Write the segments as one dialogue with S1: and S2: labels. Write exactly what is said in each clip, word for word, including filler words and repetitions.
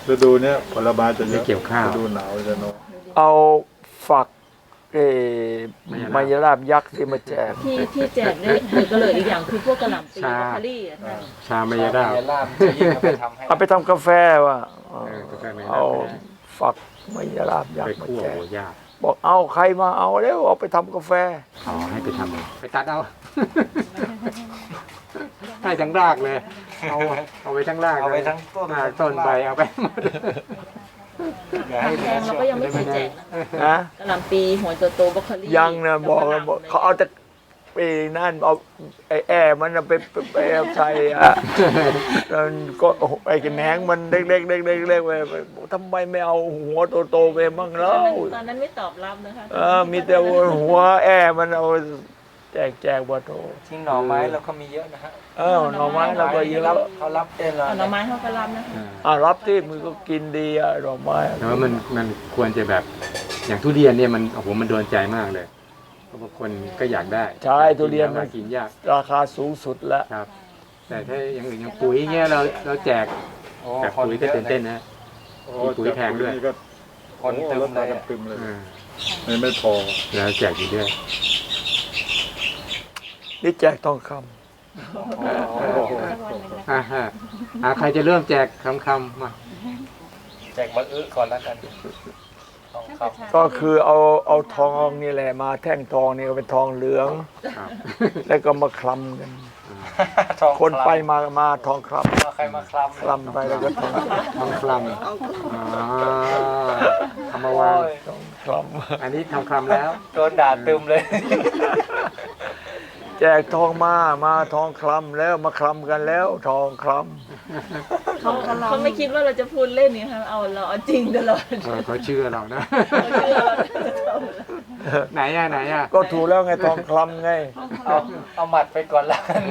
S1: ฤดูเนี้ยผลไม้จะเย
S2: ไม่
S1: อะ
S2: เกี่ยวข้าว
S1: ฤดูหนาวจะน้อย
S3: เอาฝักเออมายราบยักษ์ที่มาแจก
S4: ที่ที่แจกเนี่ยคือก็เลยอีกอย่างคือพวกกระหล่ำปี
S2: ชา
S4: แบคารี่อะท่าน
S2: ชามายาดาบ
S5: เยล่ามจะยิ่งเอาไปทำให้
S3: เอาไปทำกาแฟว่ะ
S2: เออกาแฟมายาดาบ
S3: เอาฝักมายราบยัก
S2: ไป
S3: ษ์มา
S2: คั่ว
S3: แจก
S2: โอ้ยาก
S3: บอกเอาใครมาเอาแล้วเอาไปทำกาแฟ
S2: อ๋อให้ไปทำไปตัดเอา ให้ทั้งรากเลย เอาเอาไปทั้งราก
S5: เอาไปทั้งต้น
S2: รากต้นใบเอาไปหมด
S5: อย่าให้
S4: แพงเราก็ยังไม่เคยแจกนะ
S3: นะ
S4: กระหล่ำปีหัวโตๆบรอกโคลี
S3: ยังนะบอกแล้วบอกเขาเอาแต่ไปนั่นเอาไอ้แอร์มันน่ะไปไปไปเอาใส่อะแล้วก็ไอ้แหนงมันเล็กๆเล็กๆเล็กๆไปทำไมไม่เอาหัวโตๆไปบ้างแล้
S4: ตอน
S3: ว
S4: นั้นตอนนั้นไม่ตอบรับนะคะ
S3: เออมีแต่หัวแอร์มันเอาแจกแจกบัโต
S5: ทิ้งหน่อไม้เราก็มีเยอะนะฮะ
S3: เออหน่อไม้เราก็เย
S5: รั
S3: อะ
S5: บเขารับเองเลย
S4: เอาหน่อไม้เขาก็รับนะคะ
S3: อ่ารับที่มือก็กินดีอ่ะดอกไม้
S2: แต่ว่ามันมันควรจะแบบอย่างทุเรียนเนี่ยมันโอ้โหมันโดนใจมากเลยเพราะบางคนก็อยากได้
S3: ใช่ทุเรียนมัน
S2: กินยาก
S3: ราคาสูงสุดแล้ว
S2: ครับ แต่ถ้าอย่างอื่นอย่างปุ๋ยเงี้ยเราเราแจก
S5: โอ้
S2: แบบ
S5: คน
S2: ปุ๋ย
S5: เย
S2: ก็
S5: อะ
S2: ตื่น
S5: เล
S2: เต้
S5: ย
S2: นนะ
S1: โอ้
S2: ปุ๋ยแพงด้วย
S1: นี่ก็
S5: คนเต็ม
S1: รถ
S5: เล
S1: มาย กันตึมเลย
S2: อ่า
S1: ไม่ไม่พอ
S2: แล้วแจกอยู่ด้วย
S3: นี่แจกทองค
S2: อ่าฮะอ่าใครจะเริ่มแจกคำคำๆมา
S5: แจกมะอึก่อนแล้วกันทองค
S3: ำก็คือเอาเอาทองนี่แหละมาแท่งทองนี่ก็เป็นทองเหลือง
S2: ครับ
S3: แล้วก็มาคลำกัน
S5: ำทอง
S3: คนไปมามาทองคล
S5: เอาใครมาคลำ
S3: ำคลำไปแล้วก็ทอง
S2: ทองคลำอ่าเอามาวาง
S5: โอ้ย
S3: ทองคล
S2: อันนี้ทองคลำแล้ว
S5: โดนด่าตึมเลย
S3: ำแจกทองมามาทองคลำแล้วมาคลำกันแล้วทองคล
S4: เขาเขาไม่คิดว่าเราจะพูดเล่นนี่ค่ะเอาเราเอาจริงตลอด
S2: เออเขาเชื่อเรานะ
S4: เขาเชื่อเรา
S2: ไหนอ่ะไหนอ่ะ
S3: ำก็ถูกแล้วไงทองคลำไง
S5: เอาเอาหมัดไปก่อนแล้วกัน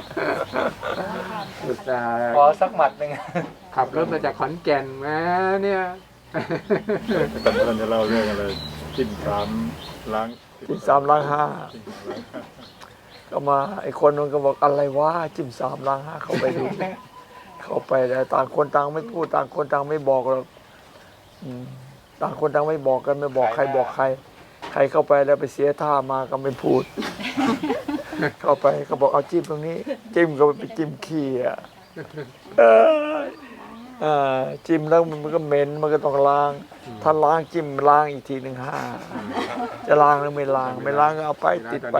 S2: อุตส่าห์
S5: ขอสักหมัดหนึ่ง
S2: ขับรถมาจากขอนแก่นมาเนี่ย
S1: กันท่านจะเล่าเรื่องอะไรจิ้มสามล้าง
S3: จิ้มสามล้างห้าก็มาไอ้คนนึงก็บอกอะไรวะจิ้มสามล้างห้าเข้าไปดู เข้าไปแต่ต่างคนต่างไม่พูดต่างคนต่างไม่บอกหรอกอืมต่างคนต่างไม่บอกกันไม่บอกใครบอกใคร ใครเข้าไปแล้วไปเสียท่ามาก็ไม่พูด เข้าไปก็บอกเอาจิ้มตรงนี้ จิ้มก็ไปจิ้มขี้อ่ะเออเออจิ้มแล้วมันก็เหม็นมันก็ต้องล้าง ถ้าล้างจิ้มล้างอีกทีหนึ่งห้าจะล้างหรือไม่ล้าง ไม่ล้างก็เอาไปติดไป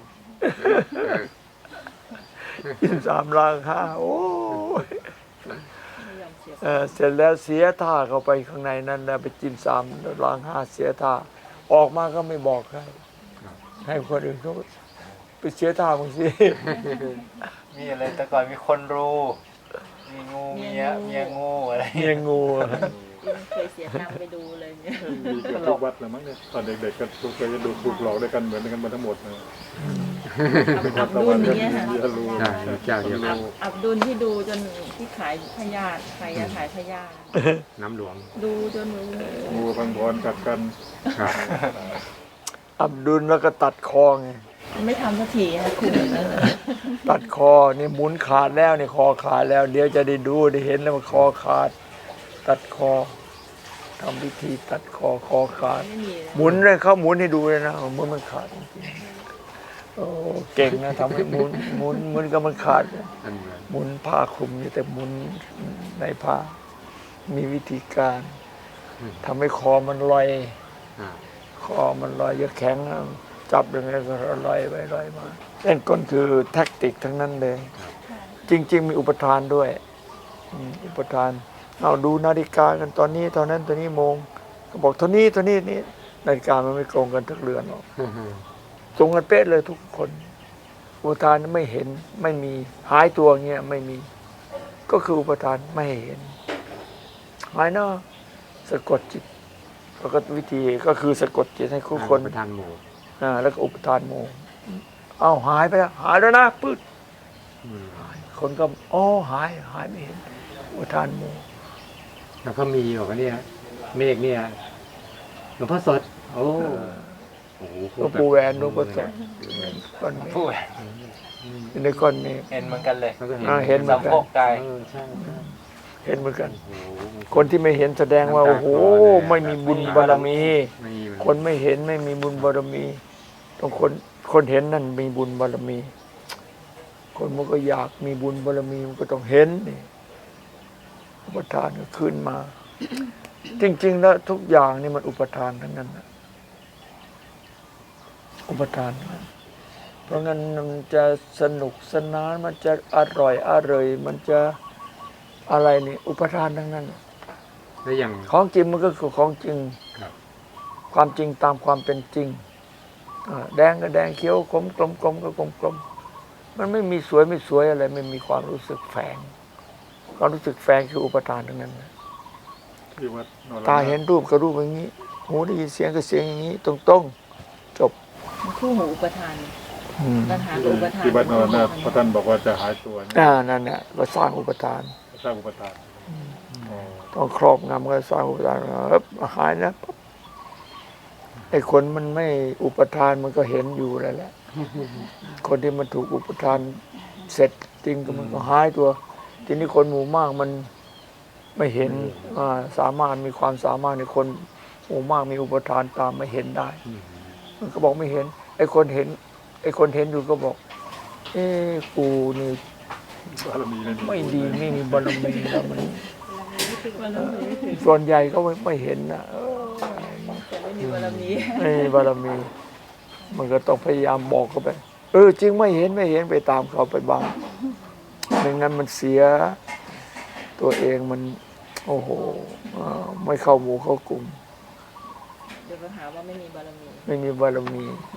S3: จิ้มสามล้างห้าโอ้ยเออเสร็จแล้วเสียท่าเข้าไปข้างในนั้นแล้วไปจิ้มสามล้างห้าเสียท่า ออกมาก็ไม่บอกใครให้คนอื่นเขาไปเสียท่าบางสิ
S5: มีอะไรแต่ก่อนมีคนรู้มีงูเมียเมียงูอะไร
S3: เมียงูอะ
S4: เคยเสียตังค์ไปดูเลยเนี่ย
S1: มีกับทุกวัดเลยมั้งเนี่ยตอนเด็กๆก็ทุกเคยจะดูถูกหลอกด้วยกันเหมือนกันมาทั้งหมดนะ
S4: อับดุลอย่างเงี้ยค่ะ
S1: มีรู้
S2: ใช่เจ้าเดียวกัน
S4: อับดุลที่ดูจนที่ขายพยาธิใครจะขายพยาธิ
S2: น้ำหลวง
S4: ดูจน
S1: งูพังพรกัดกัน
S2: ครับ
S3: อับดุลแล้วก็ตัดคอไง
S4: ไม่ทำสักทีค่ะคุณ
S3: ตัดคอนี่หมุนขาดแล้วนี่คอขาดแล้ว เดี๋ยวจะได้ดูได้เห็นแล้วมันคอขาด ตัดคอทำพิธีตัดคอคอขาด
S4: ไม่มี
S3: หมุนเลยเขาหมุนให้ดูเลยนะหมุนมันขาดจริงๆโอ้เก่งนะทำให้หมุนหมุนหมุนก็มันขาด
S2: อันเหมือน
S3: หมุนผ้าคลุมอยู่แต่หมุนในผ้า มีวิธีการทำให้คอมันลอย
S2: อ่า
S3: คอมันลอยจะแข็งนะจับยังไงก็ลอยไปลอยมาเล่นก้นคือแท็กติกทั้งนั้นเลย จริง ๆ มีอุปทานด้วยอืมอุปทานเอาดูนาฬิกากันตอนนี้ตอนนั้นตอนนี้โมงก็บอกเท่านี้เท่านี้นี่นาฬิกามันไม่ตรงกันทุกเรือนหรอกตรงกันเป๊ะเลยทุกคน อุปทานไม่เห็นไม่มีหายตัวเงี้ยไม่มี ก็คืออุปทานไม่เห็นหายเนาะสะกดจิตแล้วก็วิธีก็คือสะกดจิตให้คู่คน
S2: ประทานหมู่
S3: อ่าแล้วก็อุปทานโมเอ้าหายไปแล้วหายแล้วนะปึ๊ด
S2: อืม
S3: คนก็อ๋อหายหายไม่เห็นอุปทานโม
S2: แล้วก็มีบอกว่าเนี่ยเมฆเนี่ยหลวงพ่อสด โอ้โห
S3: หลวงปู่แหวนหลวงปู่สดก้อนเมฆ
S5: พูด
S3: อยู่ในก้อนเมฆ
S5: เห็นเหมือนกันเลย
S2: แล้วก็เห็น
S3: อ่าเห็นเหมือนกัน
S5: สะโพกกาย
S2: เออใช่ใช่
S3: เห็นเหมือนกัน
S2: โอ้โห
S3: คนที่ไม่เห็นแสดงว่าโอ้โหไม่มีบุญบารมี
S2: ไม่มีมัน
S3: คนไม่เห็นไม่มีบุญบารมีต้องคนคนเห็นนั่นมีบุญบารมี คนมันก็อยากมีบุญบารมีมันก็ต้องเห็นนี่อุปทานก็ขึ้นมา จริง ๆ แล้วทุกอย่างนี่มันอุปทานทั้งนั้นนะอุปทานทั้งนั้นเพราะงั้นมันจะสนุกสนานมันจะอร่อยอร่อยมันจะอะไรนี่ อุปทานทั้งนั้น
S2: แล้วอย่าง
S3: ของจริงมันก็คือของจริง
S2: ครับ
S3: ความจริงตามความเป็นจริงอ่าแดงก็แดงเขียวกลมกลมกลมก็กลมกลมมันไม่มีสวยไม่สวยอะไร ไม่มีความรู้สึกแฝง ความรู้สึกแฝงคืออุปทานทั้งนั้นนะ
S1: ที่วัดนร
S3: ตาเห็นรูปก็รูปอย่างนี้ หูได้ยินเสียงก็เสียงอย่างนี้ ตรงตรงๆจบ
S4: มันคู่หูอุปทานปัญหากับอุปทาน
S1: ที่วัดนรนาถพระท่านบอกว่าจะหายตัวเนี่ย
S3: อ่านั่นแหละก็สร้างอุปทาน
S1: สร้างอุปทานอ๋อ
S3: ต้องครอบงำก็สร้างอุปทานเอ๊บหายนะปั๊บไอ้คนมันไม่อุปทานมันก็เห็นอยู่แล้วแหละ คนที่มันถูกอุปทานเสร็จจริงก็มันก็หายตัว ทีนี้คนหมู่มากมันไม่เห็นอ่าสามารถมีความสามารถในคนหมู่มากมีอุปทานตามไม่เห็นได้
S2: อืม
S3: มันก็บอกไม่เห็น ไอ้คนเห็น ไอ้คนเห็นอยู่ก็บอก เอ้กูนี่
S1: บารมี
S3: ไม่ดีไม่มีบารมีแล้วมัน
S4: บารมีไม่ถึง
S3: ส่วนใหญ่ก็ไม่ไม่เห็นนะเออ
S4: แต่ไม่มีบารมี
S3: ไม่มีบารมี มันก็ต้องพยายามบอกเขาไป เออจริงไม่เห็นไม่เห็นไปตามเขาไปบ้างไม่งั้นมันเสีย ตัวเองมัน โอ้โหเอ่อไม่เข้าหมู่เข้ากลุ่ม
S4: เดี๋ยวปัญหาว่าไม่มีบารมี
S3: ไม่มีบารมี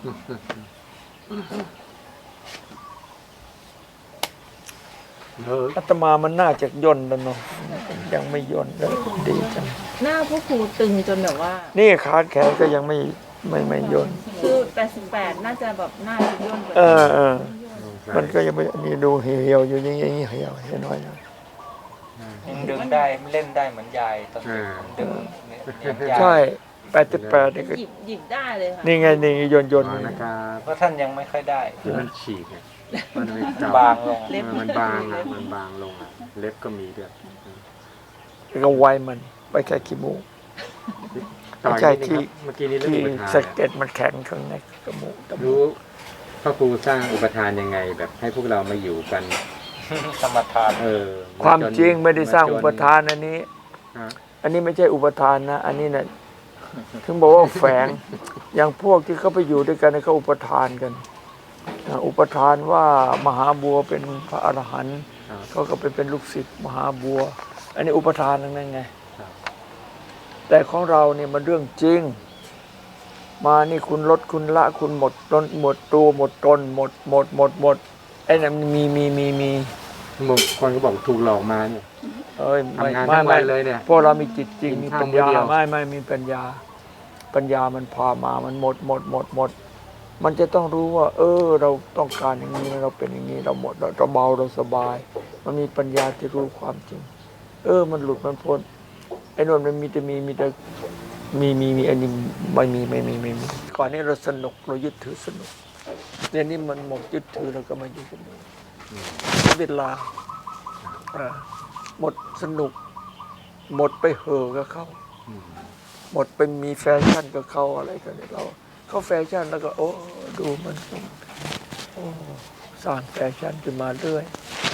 S2: เออ
S3: อาตมามันน่าจะย่นแล้วเนาะยังไม่ย่นเลยดีจัง
S4: หน้าพวกครูตึงจนแบบว่า
S3: นี่ขาแขนก็ยังไม่ไม่ไม่ย่น
S4: คือแปดสิบแปดน่าจะแบบหน้าจะย่นกว่า
S3: เออเออ
S2: ใช่
S3: มันก็ยังไม่นี่ดูเหี่ยวๆอยู่อย่างนี้เหี่ยวเหี่ยวน้อยนะ
S5: ยังดึงได้เล่นได้เหมือนยายตอนเด็กดึงเนี่ยเนี่ยยาย
S3: ใช่แปดสิบแปดนี่ก็
S4: หยิบหยิบได้เลยค่ะ
S3: นี่ไงนี่โยนโยน
S2: วางนะครับ
S5: เพราะท่านยังไม่ค่อยได้
S2: ที่มันฉีกอะมันไม่เก่
S5: บางลง
S2: เออมันบางอะมันบางลงอะเล็บก็มีด้วย
S3: แล้วก็ไวมันไปแค่ขี้มูก
S2: ต่อ
S3: ใช่
S2: อีกนิดนึง
S3: ที่
S2: ครับเมื่อกี้นี้เรื่อง
S3: ที่
S2: อุปทาน
S3: สะเก็ดมันแข็งข้างในจมูกจมูก
S2: รู้พระครูสร้างอุปทานยังไง แบบให้พวกเรามาอยู่กัน
S5: สมถาน
S2: เออ
S3: ความจริงไม่ได้สร้าง
S2: จน
S3: อุปทานอันนี้
S2: ฮะ
S3: อันนี้ไม่ใช่อุปทานนะ อันนี้นะถึงบอกว่าแฝง อย่างพวกที่เขาไปอยู่ด้วยกันเนี่ยเขาอุปทานกันอ่าอุปทานว่ามหาบัวเป็นพระอรหันต์
S2: ครับ
S3: เขาก็ไปเป็นลูกศิษย์มหาบัว อันนี้อุปทานทั้งนั้นไง
S2: ครับ
S3: แต่ของเราเนี่ยมันเรื่องจริง มานี่คุณลดคุณละคุณหมดตนหมดตัวหมดตนหมดหมดหมดหมดไอ้นั่นมีมีมีมี
S2: บางคนก็บอกถูกหลอกมาเนี่ย
S3: เอ้ยไม่
S2: ทำงาน
S3: ไม่
S2: ทั้งวั
S3: ไม่
S2: นเลยเนี่ย
S3: พวกเรามีจิตจริง
S2: กิน
S3: มี
S2: ข้าว
S3: ปัญญา
S2: มื้อเดียว
S3: ไม่ไม่มีปัญญา ปัญญามันพามามันหมดหมดหมดหมด มันจะต้องรู้ว่า เออ เราต้องการอย่างนี้เราเป็นอย่างนี้เราหมดเราเราเบาเราสบาย มันมีปัญญาที่รู้ความจริง เออ มันหลุดมันพ้นไอ้นนมันมีแต่มีมีแต่มีมีมีอันนี้ไม่มีไม่มีไม่มีก่อนนี้เราสนุกเรายึดถือสนุกเดี๋ยวนี้มันหมดยึดถือเราก็มาอยู่กันนี้เวลาอ่าหมดสนุก หมดไปเห่อกับเขา
S2: อืม
S3: หมดไปมีแฟชั่นกับเขาอะไรกันเนี่ยเราเขาแฟชั่นแล้วก็ โอ้ดูมันโอ้สร้างแฟชั่นขึ้นมาเรื่อย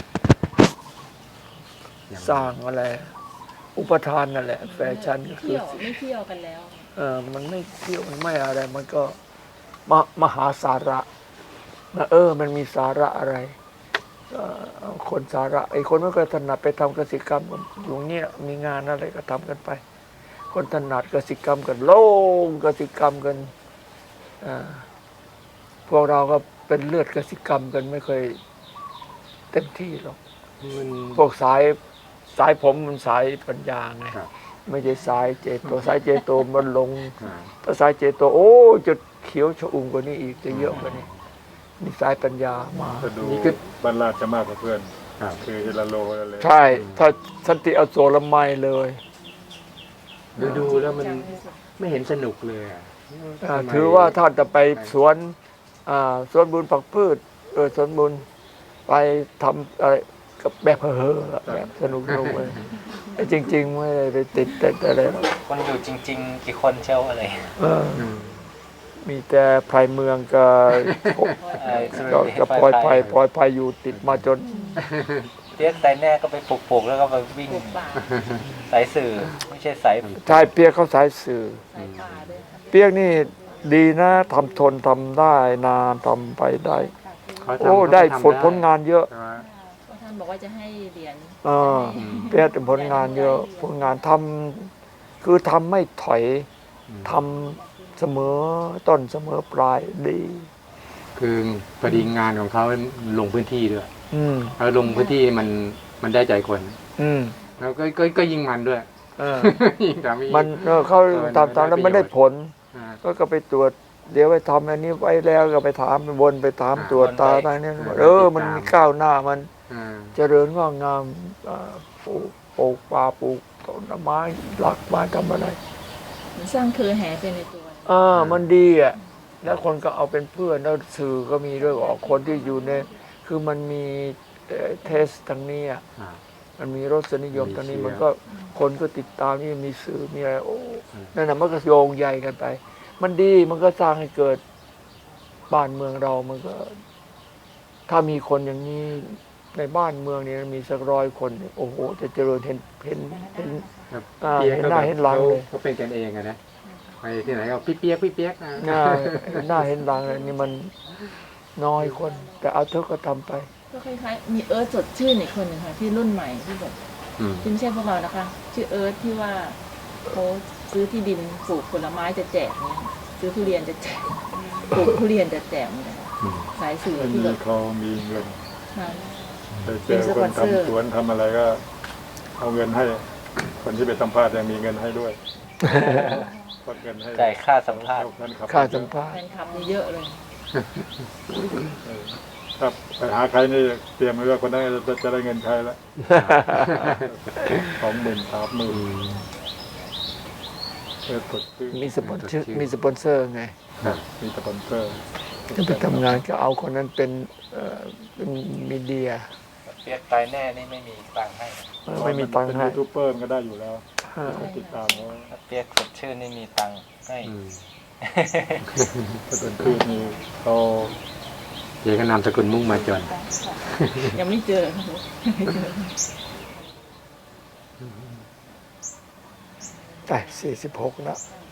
S3: สร้างอะไร อุปทานนั่นแหละ แฟชั่นก็คือ
S4: เที่ยวไม่เที่ยวกันแล้ว
S3: เออมันไม่เที่ยวมันไม่อะไร มันก็มามหาสาระนะเออ มันมีสาระอะไรเอ่อคนสาระไอ้คนไม่เคยถนัดไปทำกสิกรรมอยู่เนี้ยมีงานอะไรก็ทำกันไป คนถนัดกสิกรรมกันโล่งกสิกรรมกันอ่าพวกเราก็เป็นเลือดกสิกรรมกันไม่เคยเต็มที่หรอก
S2: มัน
S3: พวกสายสายผมมันสายปัญญาไง
S2: ครับ
S3: ไม่ใช่สายเจโตสายเจโตมันลง
S2: อ่า
S3: ถ้าสายเจโตโอ้จะเขียวชอุ่มกว่านี้อีกจะเยอะกว่านี้นี่สายปัญญามา
S1: จะดูบรรลาดจะมากกว่าเพื่อน
S2: ครับ
S1: คือเฮลาโลอะไร
S3: ใช่ ถ้าสันติอโศรไมยเลย
S2: ดูดูแล้วมันไม่เห็นสนุกเลยอะ
S3: อ่า
S2: ทำไม
S3: ถือว่าถ้าจะไปสวนอ่าสวนบุญผักพืชเออสวนบุญไปทำอะไรก็แบบเฮ่อๆแบบสนุกสนุกเลยไอ้จริง ๆ ไม่ได้ไปติดแต่อะไรหรอก
S5: คนอยู่จริง ๆ กี่คนเชียวอะไร
S3: เออ
S2: อืม
S3: มีแต่ไพรเมืองกับ
S5: ไอ้สุ
S3: ก็
S5: ริ
S3: กับพลอยไพรพลอยไพรอยู่ติดมาจน
S5: เปียกสายแน่ก็ไปปลูกๆแล้วก็ไปวิ่ง
S4: ปลูกป่า
S5: สายสื่อ ไม่ใช่สาย
S3: ชายเปียกเขาสายสื่อ
S4: สายป่าด้วยค่ะ
S3: เปียกนี่ดีนะทำทนทำได้นานทำไปได้
S2: เขาทำ
S3: โอ้
S2: เขาก็
S3: ได้
S2: ทำ
S3: ผลผลงานเยอะ
S2: แต่ว่า
S4: ท่านบอกว่าจะให้เหรียญ
S3: เออเปียกเป็นผลงานเยอะผลงานทำคือทำไม่ถอย
S2: อืม
S3: ทำเสมอต้นเสมอปลายดี
S2: คือพอดีงานของเขาลงพื้นที่ด้วย
S3: อืม
S2: แล้วลงพื้นที่มันมันได้ใจคน
S3: อืม
S2: แล้วก็ก็ก็ยิ่งมันด้วย
S3: เออ
S2: ยิ่งทำให้
S3: มันเออเขา
S2: เออ
S3: ทำตามแล้ว
S2: ได้
S3: ไม่ได้
S2: ประโยชน์
S3: ผล
S2: อ่า
S3: ก็ก็ไปตรวจ เดี๋ยวไปทำอันนี้ไว้แล้วก็ไปถามไปบนไปถาม
S2: อ่า
S3: ตรวจตาตาเนี่ยเออ มันมีก้าวหน้ามัน
S2: อ่า
S3: เจริญงอกงามเอ่อปลูกปลูกป่าปลูกต้นไม้หลักไม้ทำอะไร
S4: เหมือนสร้างเครือแห่ไปในตัว
S3: อ่ามันดีอ่ะแล้วคนก็เอาเป็นเพื่อนแล้วสื่อก็มีด้วยออกคนที่อยู่ในคือมันมีเทสทางนี้อ่ะ
S2: อ่า
S3: มันมีรสนิยม
S2: มี
S3: ทางนี้
S2: เชื้อ
S3: มันก็คนก็ติดตามนี่มีสื่อมีอะไรโอ้
S2: อืม
S3: นั่นน่ะมันก็โยงใยกันไป มันดีมันก็สร้างให้เกิดบ้านเมืองเรามันก็ ถ้ามีคนอย่างนี้ในบ้านเมืองนี้มีสักร้อยคนเนี่ยโอ้โหจะเจริญเห็นเห็นเห็น
S2: ครับ
S3: อ่า
S2: ปียก
S3: เห็น
S2: ก็
S3: หน้า
S2: แบบ
S3: เห็นหลังเลย
S2: เขาเป็นกันเองอะนะไปที่ไหนก็พี่เปียกพี่เปียกนะ
S3: หน้าหน้าเห็นหลังเลยนี่มันน้อยคน แต่เอาเถอะก็ทำไป
S4: ก็คล้ายๆมีเอิร์ธสดชื่นอีกคนหนึ่งค่ะที่รุ่นใหม่ที่แบบ
S2: อืม
S4: ที่ไม่ใช่พวกเรานะคะ ชื่อเอิร์ธที่ว่าเขาซื้อที่ดินปลูกผลไม้จะแจกเนี่ยซื้อทุเรียนจะแจกปลูกทุเรียนจะแจกเนี่ย
S2: อืม
S4: สายสื่อ
S1: ไม่
S4: ที่
S1: มี
S4: แบบ
S1: เขามีเงิน
S4: ค่ะ
S1: ไปเจอคนทำสวนทำอะไรก็ เอาเงินให้ คนที่ไปสัมภาษณ์ยังมีเงินให้ด้วยกดเงินให้
S5: จ่ายค่าสัมภาษณ์
S1: แฟนคลับ
S3: ค่าสัมภาษ
S4: แฟ
S3: ณ์
S4: นคลับนี่เยอะเลย
S1: เออครับไปหาใครนี่เตรียมไว้ว่าคนนั้นจะจะได้เงินใครละสองหมื่นสามหมื่นเออกดซื้อ
S3: มีสปอนเซอร์มีสปอนเซอร์ไง
S2: ครับ
S1: มีสปอนเซอร์
S3: ถ้าไปทำงานก็เอาคนนั้นเป็นเอ่อเป็นมีเดีย
S5: เปียกตายแน่นี่ไม่มีตังค์ให้
S3: เออไม่มีตังค์
S1: เป็น
S3: ให้
S1: ยูทูบเบอร์มันก็ได้อยู่แล้ว
S3: เออ
S1: ติดตามเขา
S5: ถ้าเปียกสดชื่นนี่มีตังค์ให้
S2: อืม
S1: ถ้าเป็นพืชนี่เขา
S2: เดี๋ยวก็นามสกุลมุ่งมาจน
S4: ยังไม่เจอค่ะ
S3: แต่สี่สิบหกแล้ว
S4: ค